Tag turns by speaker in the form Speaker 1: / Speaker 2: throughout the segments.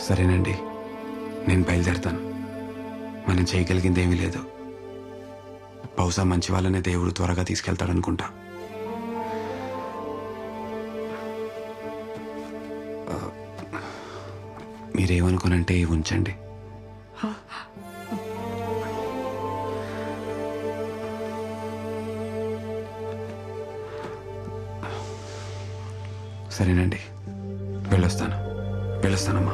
Speaker 1: సరేనండి, నేను బయలుదేరుతాను. మనం చేయగలిగింది ఏమీ లేదు. బహుశా మంచి వాళ్ళనే దేవుడు త్వరగా తీసుకెళ్తాడనుకుంటా. మీరేమనుకోనంటే ఉంచండి. సరేనండి, వెళ్ళొస్తానమ్మా.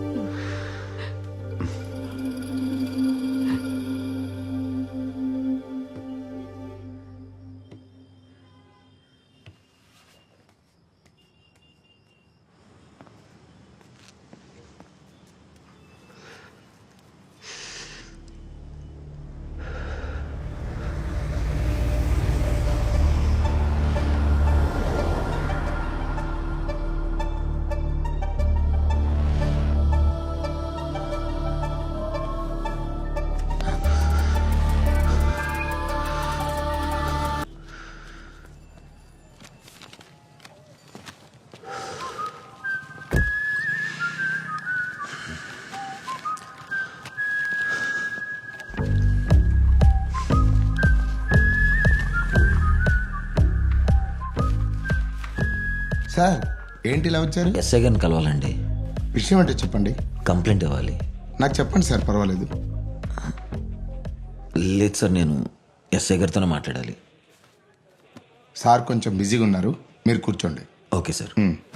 Speaker 2: సార్ ఏంటి ఇలా వచ్చారు?
Speaker 3: ఎస్ఐ గారిని కలవాలండి.
Speaker 2: విషయం అంటే చెప్పండి.
Speaker 3: కంప్లైంట్ ఇవ్వాలి.
Speaker 2: నాకు చెప్పండి సార్, పర్వాలేదు.
Speaker 3: లేదు సార్, నేను ఎస్ఐ గారితోనే మాట్లాడాలి.
Speaker 2: సార్ కొంచెం బిజీగా ఉన్నారు, మీరు కూర్చోండి.
Speaker 3: Okay sir.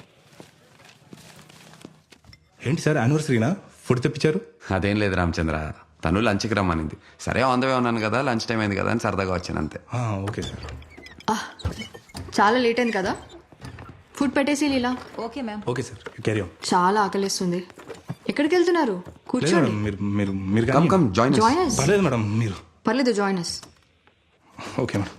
Speaker 4: ఏంటి సార్ యానివర్సరీనా? ఫుడ్ తెప్పించారు?
Speaker 1: అదేం లేదు రామచంద్ర, తను లంచ్కి రమ్మనింది. సరే ఆన్ ద వే ఉన్నాను కదా, లంచ్ టైం అయింది కదా అని సరదాగా వచ్చాను అంతే.
Speaker 4: Okay sir.
Speaker 5: చాలా లేట్ అయింది కదా, ఫుడ్ పెట్టేసి Leela.
Speaker 6: Okay ma'am.
Speaker 4: Okay sir, carry on.
Speaker 5: చాలా ఆకలిస్తుంది. ఎక్కడికి వెళ్తున్నారు?
Speaker 4: లేదు
Speaker 5: కూర్చోండి.
Speaker 4: మేడం, మీరు మీరు మీరు
Speaker 1: కమ్
Speaker 4: కానీ-
Speaker 1: కమ్ జాయిన్
Speaker 5: జాయిన్ us.
Speaker 4: పర్లేదు మేడం, మీరు.
Speaker 5: పర్లేదు, జాయిన్ us.
Speaker 4: Okay madam.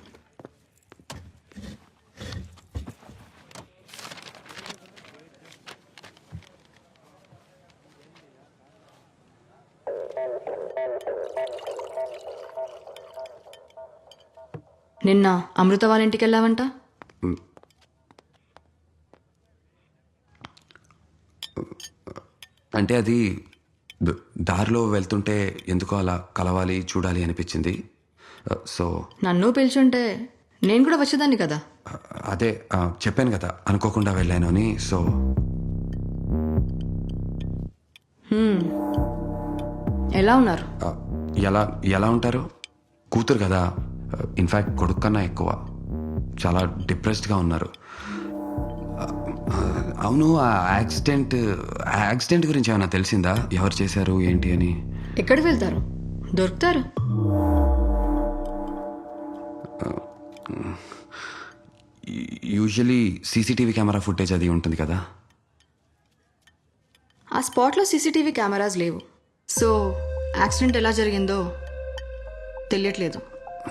Speaker 5: నిన్న అమృత వాళ్ళ ఇంటికి వెళ్ళావంట.
Speaker 1: అంటే అది దారిలో వెళ్తుంటే ఎందుకో అలా కలవాలి చూడాలి అనిపించింది. సో
Speaker 5: నన్ను పిలిచుంటే నేను కూడా వచ్చేదాన్ని కదా.
Speaker 1: అదే చెప్పాను కదా అనుకోకుండా వెళ్ళాను అని. సో
Speaker 5: ఎలా ఉన్నారు?
Speaker 1: ఎలా ఎలా ఉంటారు? కూతురు కదా, ఇన్ఫ్యాక్ట్ కొడుకు కన్నా ఎక్కువ. చాలా డిప్రెస్డ్గా ఉన్నారు. అవును, ఆ యాక్సిడెంట్ గురించి ఏమైనా తెలిసిందా? ఎవరు చేశారు ఏంటి అని?
Speaker 5: ఎక్కడికి వెళ్తారు? దొరుకుతారు.
Speaker 1: యూజువలీ సీసీటీవీ కెమెరా ఫుటేజ్ అది ఉంటుంది కదా.
Speaker 5: ఆ స్పాట్లో సీసీటీవీ కెమెరాస్ లేవు. సో యాక్సిడెంట్ ఎలా జరిగిందో తెలియట్లేదు.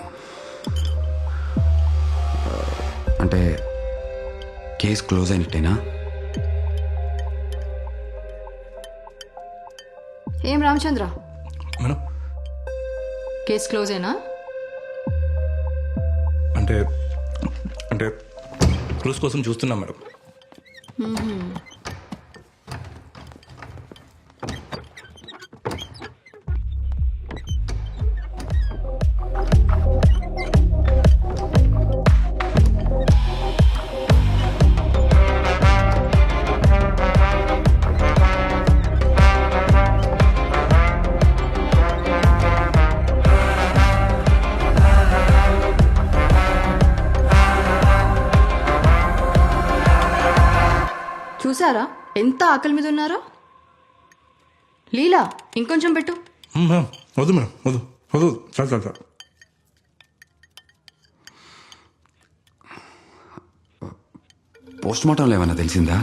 Speaker 1: అంటే కేసు క్లోజ్ అయినట్టేనా?
Speaker 5: ఏం రామచంద్ర,
Speaker 4: మేడం
Speaker 5: కేసు క్లోజ్ అయినా?
Speaker 4: అంటే అంటే క్రూజ్ కోసం చూస్తున్నాం మేడం.
Speaker 5: చూసారా ఎంత ఆకలి మీద ఉన్నారో? లీలా, ఇంకొంచెం పెట్టు.
Speaker 4: మేడం వద్దు మేడం, వద్దు వద్దు, చాలు చాలు చాలు.
Speaker 1: పోస్ట్ మార్టంలో ఏమైనా తెలిసిందా?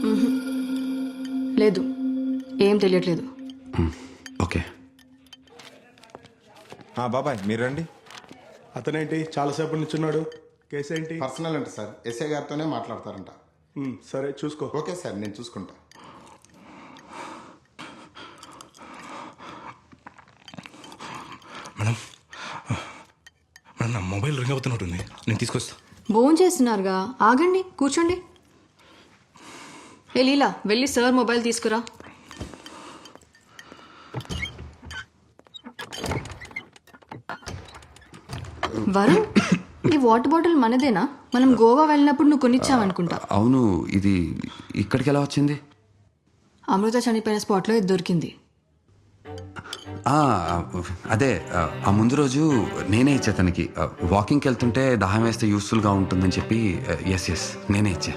Speaker 5: లేదు, ఏం తెలియట్లేదు.
Speaker 1: ఓకే.
Speaker 7: బాబాయ్ మీరు రండి.
Speaker 4: అతనేంటి చాలాసేపటి నుంచి ఉన్నాడు? కేసు ఏంటి?
Speaker 2: పర్సనల్ అంటే సార్, ఎస్ఐ గారితోనే మాట్లాడతారంట.
Speaker 4: సరే చూసుకో.
Speaker 2: ఓకే సార్, నేను చూసుకుంటా.
Speaker 4: మేడం మేడం, నా మొబైల్ రింగ్ అవుతున్నట్టుంది, నేను తీసుకొస్తా.
Speaker 5: భోజనం చేస్తున్నారుగా, ఆగండి, కూర్చోండి. ఏ లీలా, వెళ్ళి సార్ మొబైల్ తీసుకురా. వరుణ్, ఈ వాటర్ బాటిల్ మనదేనా? మనం గోవా వెళ్ళినప్పుడు నువ్వు కొనిచ్చావనుకుంటా.
Speaker 1: అవును, ఇది ఇక్కడికి ఎలా వచ్చింది?
Speaker 5: అమృత చనిపోయిన స్పాట్లో ఇది దొరికింది.
Speaker 1: ఆ, అదే ఆ ముందు రోజు నేనే ఇచ్చా తనకి. వాకింగ్కి వెళ్తుంటే దాహం వేస్తే యూస్ఫుల్గా ఉంటుందని చెప్పి ఎస్ నేనే ఇచ్చా.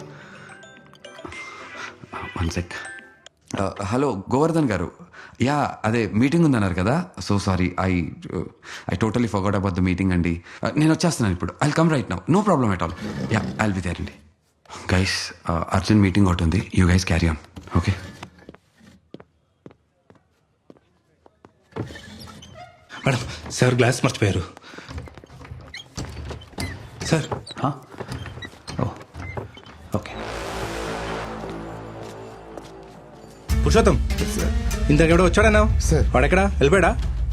Speaker 1: One sec. హలో గోవర్ధన్ గారు, యా అదే మీటింగ్ ఉందన్నారు కదా. So sorry, I totally forgot about the meeting అండి. నేను వచ్చేస్తున్నాను ఇప్పుడు. I come right now, no problem at all. Yeah I will be there అండి. గైస్, అర్జెంట్ మీటింగ్ ఒకటి ఉంది. You guys carry on, okay?
Speaker 4: Madam, sir glass మర్చిపోయారు. Sir
Speaker 1: okay.
Speaker 4: Purushottam, ఇంతకు ఎవడో వచ్చాడన్నా?
Speaker 2: సార్.
Speaker 4: వాడెక్కడా వెళ్ళిపోయాడా?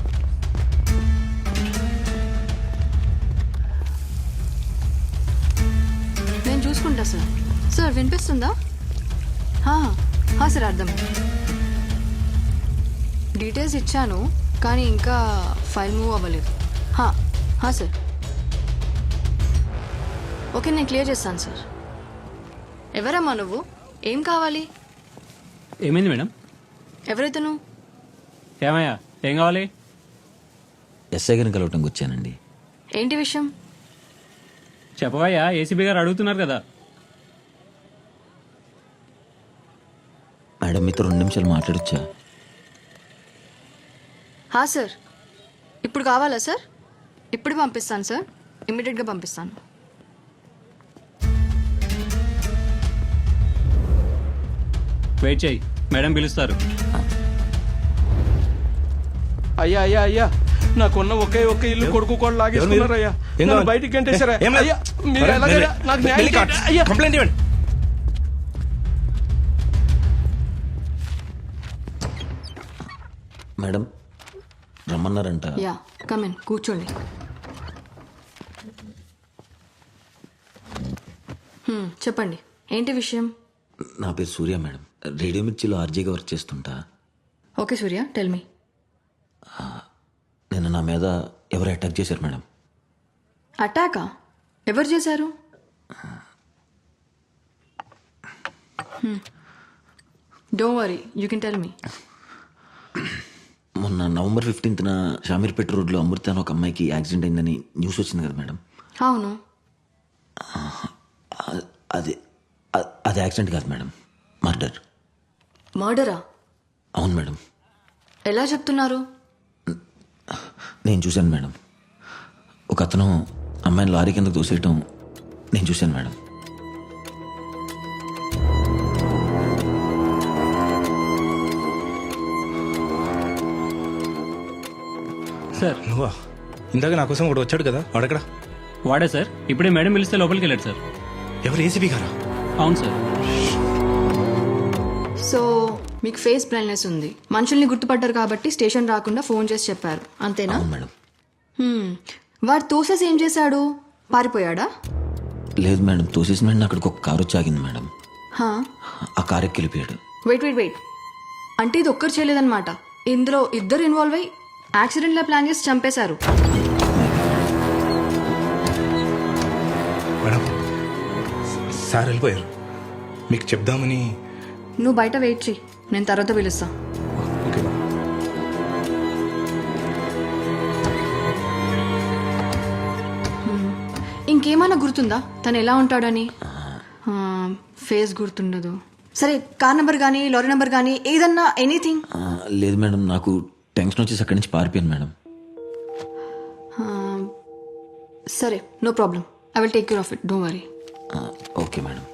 Speaker 5: నేను చూసుకుంటా సార్. సార్ వినిపిస్తుందా? సార్ అర్థమైంది. డీటెయిల్స్ ఇచ్చాను కానీ ఇంకా ఫైల్ మూవ్ అవ్వలేదు. సార్ ఓకే, నేను క్లియర్ చేస్తాను సార్. ఎవరమ్మా నువ్వు? ఏం కావాలి?
Speaker 6: ఏమైంది మేడం?
Speaker 5: ఎవరైతను?
Speaker 6: ఏమయ్యా, ఏం కావాలి?
Speaker 3: ఎస్ఐ గారిని కలవటానికి వచ్చానండి.
Speaker 5: ఏంటి విషయం?
Speaker 6: చెప్పవయ్యా, ఏసీబీ గారు అడుగుతున్నారు కదా.
Speaker 3: మేడం మీతో 2 నిమిషాలు మాట్లాడొచ్చా?
Speaker 5: సార్ ఇప్పుడు కావాలా సార్? ఇప్పుడు పంపిస్తాను సార్, ఇమ్మీడియట్గా పంపిస్తాను.
Speaker 6: వెయిట్ చేయి, మేడం పిలుస్తారు.
Speaker 7: అయ్యా అయ్యా అయ్యా, నాకున్న ఒకే ఒక్క ఇల్లు కొడుకు కూడా లాగేసుకున్నారు అయ్యా.
Speaker 4: ఏం
Speaker 7: నన్ను
Speaker 4: కావాలి?
Speaker 7: బయటికి గంటేశారా
Speaker 4: ఏం లేదు.
Speaker 7: అయ్యా? మీరు
Speaker 4: అరే,
Speaker 7: ఎలాగైనా
Speaker 4: వెళ్ళి-
Speaker 7: నాకు న్యాయం
Speaker 4: వెళ్ళి
Speaker 7: చేయండి. అయ్యా
Speaker 4: కంప్లైంట్ ఇవ్వండి.
Speaker 3: మేడం రమ్మన్నారంట.
Speaker 5: యా కమిన్, కూర్చోండి. చెప్పండి, ఏంటి విషయం?
Speaker 3: నా పేరు సూర్య మేడం. రేడియో మిర్చిలో ఆర్జీగా వర్క్ చేస్తుంటా.
Speaker 5: Okay Surya, tell me.
Speaker 3: నిన్న నా మీద ఎవరు అటాక్ చేశారు మేడం.
Speaker 5: అటాకా? ఎవరు చేశారు? Don't worry, you can tell me.
Speaker 3: మొన్న నవంబర్ 15న షామీర్పేట రోడ్లో అమృత అని ఒక అమ్మాయికి యాక్సిడెంట్ అయిందని న్యూస్ వచ్చింది కదా మేడం.
Speaker 5: అవును.
Speaker 3: అది అది యాక్సిడెంట్ కాదు మేడం, మర్డర్.
Speaker 5: మర్డరా?
Speaker 3: అవును మేడం.
Speaker 5: ఎలా చెప్తున్నారు?
Speaker 3: నేను చూశాను మేడం. ఒక అతను అమ్మాయిని లారీ కిందకు దూసేయటం నేను చూశాను మేడం.
Speaker 6: సార్
Speaker 4: నువ్వా? ఇందాక నా కోసం ఒకటి వచ్చాడు కదా, వాడెక్కడా?
Speaker 6: వాడే సార్, ఇప్పుడే మేడం పిలిస్తే లోపలికి వెళ్ళాడు సార్.
Speaker 4: ఎవరు, ఏసీబీ గారా?
Speaker 6: అవును సార్.
Speaker 5: సో మీకు ఫేస్ బ్లైండ్నెస్ ఉంది, మనుషుల్ని గుర్తుపడ్డారు కాబట్టి స్టేషన్ రాకుండా ఫోన్ చేసి చెప్పారు, అంతేనా?
Speaker 3: అవును మేడం.
Speaker 5: వాడు తోసేసి ఏం చేశాడు? పారిపోయాడా?
Speaker 3: లేదు మేడం, తోసేసిన వెంటనే అక్కడికి ఒక కారు వచ్చి ఆగింది మేడం. ఆ కారు ఎక్కి వెళ్ళిపోయాడు.
Speaker 5: వెయిట్, అంటే ఇది ఒక్కరు చేయలేదన్నమాట. ఇందులో ఇద్దరు ఇన్వాల్వ్ అయ్యి యాక్సిడెంట్లా ప్లాన్ చేసి చంపేశారు.
Speaker 4: మేడం, సార్ వెళ్ళిపోయారు. మీకు చెప్దామని.
Speaker 5: నువ్వు బయట వెయిట్ చెయ్యి, నేను తర్వాత పిలుస్తా.
Speaker 4: Okay madam.
Speaker 5: ఇంకేమైనా గుర్తుందా తను ఎలా ఉంటాడని? ఫేస్ గుర్తుండదు. సరే, కార్ నెంబర్ కానీ లారీ నెంబర్ కానీ ఏదన్నా, ఎనీథింగ్?
Speaker 3: లేదు మేడం, నాకు టెన్షన్ వచ్చేసి అక్కడి నుంచి పారిపోయాను మేడం.
Speaker 5: సరే, no problem, I will take care of it, don't worry.
Speaker 3: Okay madam.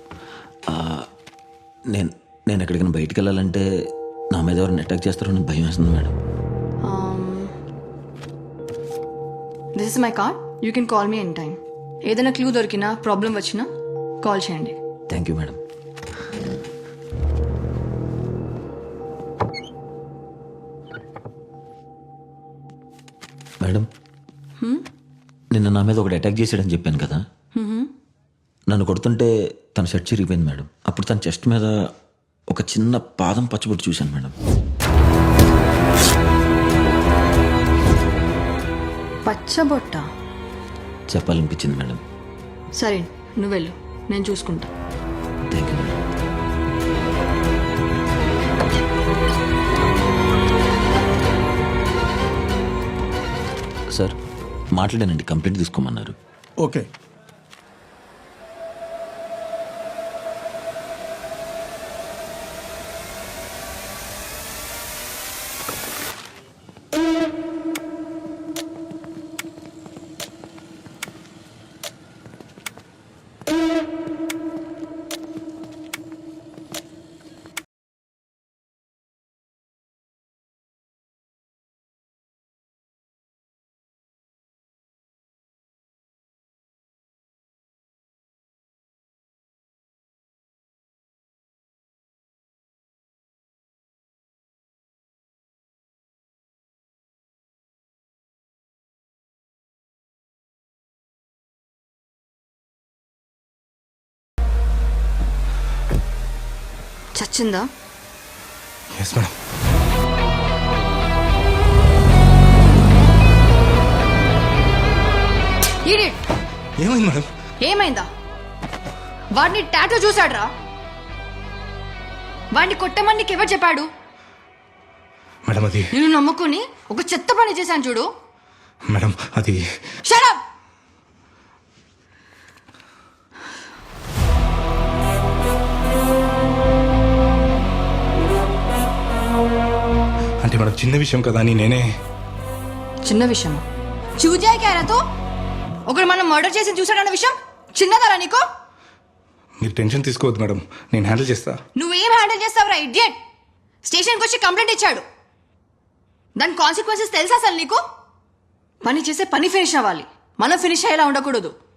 Speaker 3: నేను ఎక్కడికైనా బయటికి వెళ్ళాలంటే నా మీద ఎవరిని అటాక్ చేస్తారో అని భయం వేస్తుంది madam.
Speaker 5: This is my card, you can call me any time. ఏదైనా క్లూ దొరికినా, ప్రాబ్లం వచ్చినా కాల్ చేయండి.
Speaker 3: Thank you madam. మేడం, నిన్న నా మీద ఒకటి అటాక్ చేశాడని చెప్పాను కదా. నన్ను కొడుతుంటే తన షర్ట్ చిరిగిపోయింది మేడం. అప్పుడు తన చెస్ట్ మీద ఒక చిన్న పాదం పచ్చబొట్టు చూశాను మేడం.
Speaker 5: పచ్చబొట్ట?
Speaker 3: చెప్పాలనిపించింది మేడం.
Speaker 5: సరే నువ్వు వెళ్ళు, నేను చూసుకుంటా.
Speaker 3: Thank you madam. సార్ మాట్లాడానండి, కంప్లైంట్ తీసుకోమన్నారు.
Speaker 8: ఓకే.
Speaker 5: చచ్చిందా?
Speaker 4: Yes madam.
Speaker 5: Idiot!
Speaker 4: ఏమైంది మేడం?
Speaker 5: ఏమైందా? వాడిని టాటూ చూసాడ్రా. వాడిని కొట్టమని నీకు ఎవరు చెప్పాడు?
Speaker 4: మేడం అది
Speaker 5: నేను నమ్ముకుని ఒక చెత్త పని చేశాను చూడు.
Speaker 4: మేడం అది
Speaker 5: Shut up!
Speaker 4: అంటే మేడం చిన్న విషయం కదా అని నేనే.
Speaker 5: చిన్న విషయమా? చూజాయి క్యారాతో ఒకడు మనం మర్డర్ చేసి చూసాడన్న విషయం చిన్నదారా నీకు?
Speaker 4: మీరు టెన్షన్ తీసుకోవద్దు మేడం, నేను హ్యాండిల్ చేస్తా.
Speaker 5: నువ్వేం హ్యాండిల్ చేస్తావురా ఇడియట్? స్టేషన్కి వచ్చి కంప్లైంట్ ఇచ్చాడు. దాని కాన్సిక్వెన్సెస్ తెలుసా అసలు నీకు? పని చేసే పని ఫినిష్ అవ్వాలి, మనం ఫినిష్ అయ్యేలా ఉండకూడదు.